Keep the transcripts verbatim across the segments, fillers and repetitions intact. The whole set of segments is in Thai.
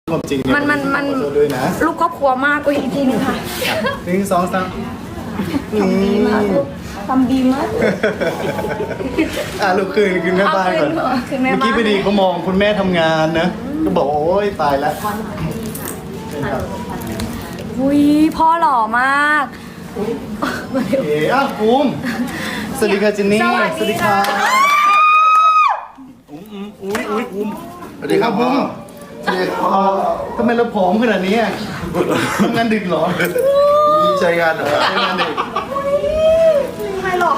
ความจริงเนี่ยมันมันมันขอโทษด้วยนะลูกครอบครัวมากอุ้ยอีกทีหนึงค่ะหนึ่งสองสามทำดีมากลูกทำดีมากอ่ะลูกคืนคืนแม่บ้านก่อนเอาคืนแม่บ้านเมื่อกี้พอดีเขามองคุณแม่ทำงานนะก็บอกโอ๊ยตายแล้วอุ้ยพ่อหล่อมากโอเคอ้าวภูมิสวัสดีค่ะจินนี่สวัสดีค่ะอุ้มอุ้ยอุ้ยภูมิสวัสดีครับพ่อสวัสดีครับพ่อทำไมเราผอมขนาดนี้อะทำงานดึกเหรอมีใจงานเหรอทำงานดึกไม่หล่อ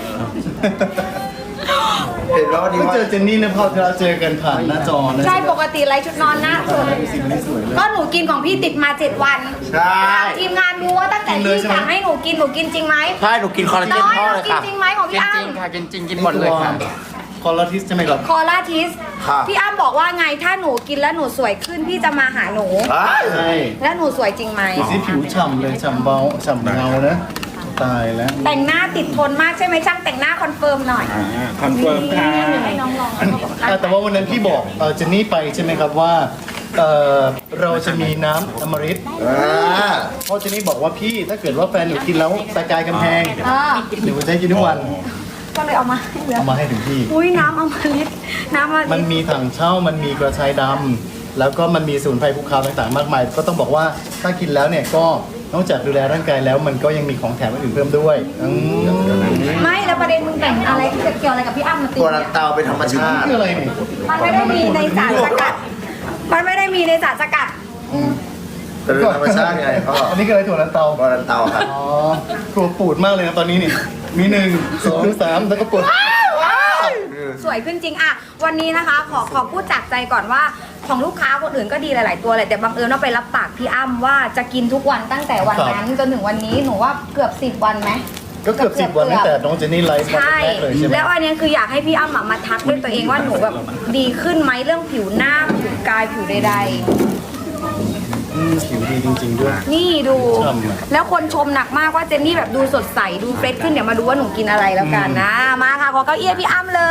เห็นว่าวันนี้ก็ว่าเจอเจนนี่นะพอเราเจอกันผ่านหน้าจอนะใช่ปกติไลฟ์ชุดนอนหน้าสวยดูสิวันนี้สวยเลยก็หนูกินของพี่ติดมาเจ็ดวันใช่ทีมงานรู้ว่าตั้งแต่กินเลยพี่ใช่ไหมสั่งให้หนูกินหนูกินจริงไหมใช่หนูกินคอลลาเจนน้อยพ่อเลยค่ะกินจริงไหมของพี่กินอ้ำจริงค่ะกินจริงกินหมดเลยค่ะคอลลาทิสใช่ไหมครับคอลาทิสค่ะพี่อ้ำบอกว่าไงถ้าหนูกินแล้วหนูสวยขึ้นพี่จะมาหาหนูใช่แล้วหนูสวยจริงไหมดูสิผิวฉ่ำเลยฉ่ำเบาฉ่ำเงานะตายแล้วแต่งหน้าติดทนมากใช่ไหมช่างแต่งหน้าคอนเฟิร์มหน่อยคอนเฟิร์มค่ะให้น้องลองเขาบอกอ่ะแต่ว่าวันนั้นพี่บอกเอ่อเจนนี่ไปใช่ไหมครับว่าเอ่อเราจะมีน้ำอมฤตอ่าเพราะเจนนี่บอกว่าพี่ถ้าเกิดว่าแฟนหนูกินแล้วตะกายกำแพงอ่าหนูจะให้กินทุกวันก็เลยเอามาให้เลยเอามาให้ถึงที่อุ้ยน้ำอมฤตน้ำอมมันฤตมีถังเช่ามันมีกระชายดำแล้วก็มันมีสมุนไพรภูเขาต่างๆ มากมาย ก็ต้องบอกว่าถ้ากินแล้วเนี่ยก็นอกจากดูแลร่างกายแล้วมันก็ยังมีของแถมอื่นๆเพิ่มด้วยอืมไม่แล้วประเด็นมึงแต่งอะไรเกี่ยวอะไรกับพี่อ้ำมาตีตัวเนี่ลัยนเตาเป็นธรรมชาติคืออะไรเนี่ยมันไม่ได้มีในสารสกัด มันไม่ได้มีในสารสกัดอืมเป็นธรรมชาติไงพ่ออันนี้คืออะไรถั่วลันเตาตัวลันเตาครับอ๋อกลัวปูดมากเลยนะตอนนี้นี่ มีหนึ่งสองสามแล้วก็ปวดสวยขึ้นจริงอะวันนี้นะคะ ขอขอพูดจากใจก่อนว่าของลูกค้าคนอื่นก็ดีหลาย ๆ ตัวเลยแต่บังเอิญว่าไปรับปากพี่อ้ำว่าจะกินทุกวันตั้งแต่วันนั้นจนถึงวันนี้หนูว่าเกือบสิบวันไหมก็เกือบสิบวันตั้งแต่น้องเจนนี่ไลฟ์วันใช่แรกเลยใช่ไหมแล้วอันเนี้ยคืออยากให้พี่อ้ำอะมาทักด้วยตัวเองว่าหนูแบบดีขึ้นไหมเรื่องผิวหน้าผิวกายผิวใดอืมผิวดีจริง ๆ ด้วยๆ นี่ดูฉ่ำอะแล้วคนชมหนักมากว่าเจนนี่แบบดูสดใสดูเฟรชขึ้นเดี๋ยวมาดูว่าหนูกินอะไรแล้วกันนะ มาค่ะขอเก้าอี้พี่อ้ำเลย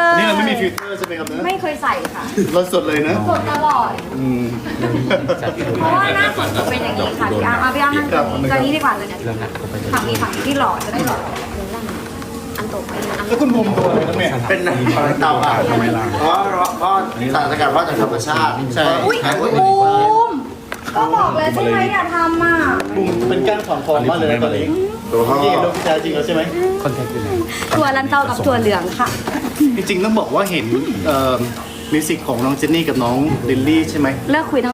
นี่เราไม่มีฟิลเตอร์ใช่ไหมครับเนอะไม่เคยใส่ค่ะเราสดเลยนะสดตลอดอืมเพราะว่าหน้าสดจะเป็นอย่างนี้ค่ะพี่อ้ำเอาพี่อ้ำนั่งตรงนี้ตอนนี้ดีกว่าเลยเนี่ยฝั่งนี้ฝั่งนี้ที่หล่อจะได้หล่ออันโตไปอันแล้วคุณภูมิตัวอะไรครับเนี่ยเป็นตัวลันเตาอ่ะทำไมล่ะเพราะเพราะสารสกัดว่าจากธรรมชาติใช่อุ้ยหายหมดบูมก็บอกเลยใช่ไหมอย่าทำอ่ะภูมิเป็นก้างขวางคอมากเลยนะตอนนี้ตัวพ่อพี่เห็นโดนพิจารจริงแล้วใช่ไหมถั่วลันเตากับถั่วเหลืองค่ะจริงๆต้องบอกว่าเห็นเอ่อมิวสิกของน้องเจนนี่กับน้องลิลลี่ใช่ไหมเลิกคุยทั้ง